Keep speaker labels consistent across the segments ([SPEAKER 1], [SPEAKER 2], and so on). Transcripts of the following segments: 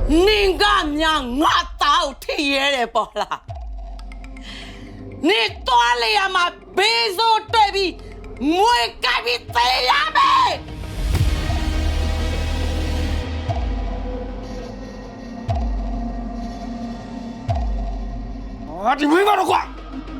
[SPEAKER 1] 你干娘我倒体验的不啦？你多了呀嘛，别说对比，我改变这样呗。
[SPEAKER 2] 啊，你没法的话。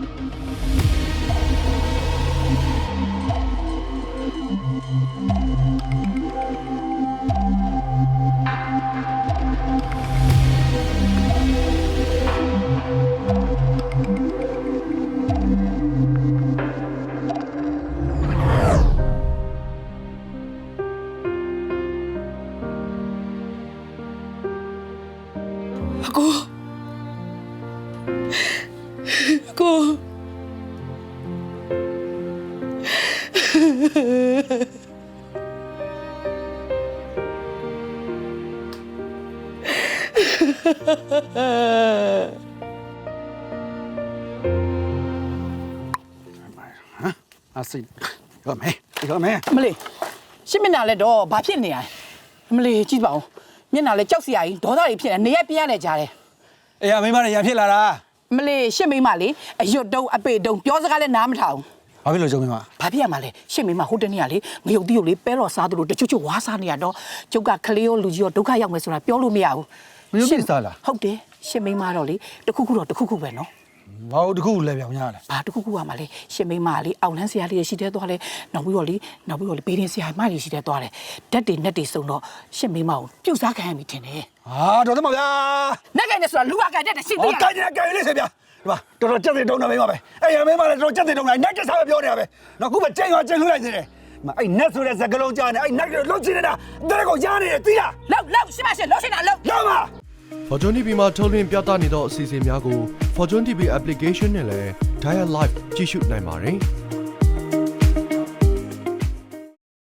[SPEAKER 1] 哥，
[SPEAKER 2] 啊，是，有没？
[SPEAKER 3] မလေးရှင်းမျက်နှာလဲတော့ဘာဖြစ်နေရလဲမလေးကြည့်ပါဦးမျက်နှာလဲကြောက်စရာကြီးဒေါသတွေဖြစ်နေနေရပြင်းရနေကြတယ်
[SPEAKER 2] 哎呀，没嘛的，也ဖြစ်လာတာ
[SPEAKER 3] မလေးရှင်းမိမလေးအရွတ်တုံးအပေတုံးပြောစကားလဲနားမထောင်
[SPEAKER 2] ဘာဖြစ်လို့ကြုံမလဲ
[SPEAKER 3] ဘာဖြစ်ရမှာလဲရှင်းမိမဟိုတနေ့ကလေငရုတ်တီးကိုလေပဲတော့စားသလိုတချို့ဝါးစားနေရတော့ကျုပ်ကခလေးရောလူကြီးရောဒုက္ခရောက်မယ်ဆိုတာပြောလို့မရဘူး
[SPEAKER 2] မယုံကြည်စားလား
[SPEAKER 3] ဟုတ်တယ်ရှင်းမိမတော့လေတခုခုပဲနော်
[SPEAKER 2] ဘာလို့တခုလဲပြောင်းရလဲ
[SPEAKER 3] ဘာတခုခုကမှလေရှင်းမိမလေးအောင်လန်းဆရာလေးရရှိတဲ့သွားလဲနောက်ပြီးတော့လေဘေးရင်ဆရာမကြီးရှိတဲ့သွားလဲဓာတ်တွေနဲ့တွေစုံတော့ရှင်းမိမကိုပြုတ်စားခံရပြီထင်တယ်
[SPEAKER 2] ဟာတော်တယ်မဗျာ
[SPEAKER 3] နက်ကိုင်နဲ့ဆိုတာလူကကိုင်တဲ့ရှင်း
[SPEAKER 2] ဟော
[SPEAKER 3] သေးရ
[SPEAKER 2] ကိုင်နေလေးစေဗျာဒီမှာတော်တော်ကြက်တွေတုံးနေမိမပဲအဲ့ရမင်းမလည်းတော်တော်ကြက်တွေတုံးနေနိုင်တက်စားပဲပြောနေတာပဲနော်ခုပဲကျင်းသွားကျင်းလှလိုက်နေတယ်မအဲ့နက်ဆိုတဲ့စကလုံးကြားနေအဲ့နက်တွေလှုပ်ချင်နေတာတဲ့ကိုရားနေတယ်သိလား
[SPEAKER 3] လောက်ရှင်းပါရှင်းလောက်ရှင်းတာလောက်
[SPEAKER 2] ရပါ
[SPEAKER 4] Fortune TV မှာထုတ်လွှင့်ပြသနေသောအစီအစဉ်များကို Fortune TV application နဲ့လည်း Dial Live ကြည့်ရှုနိုင်ပါတယ်။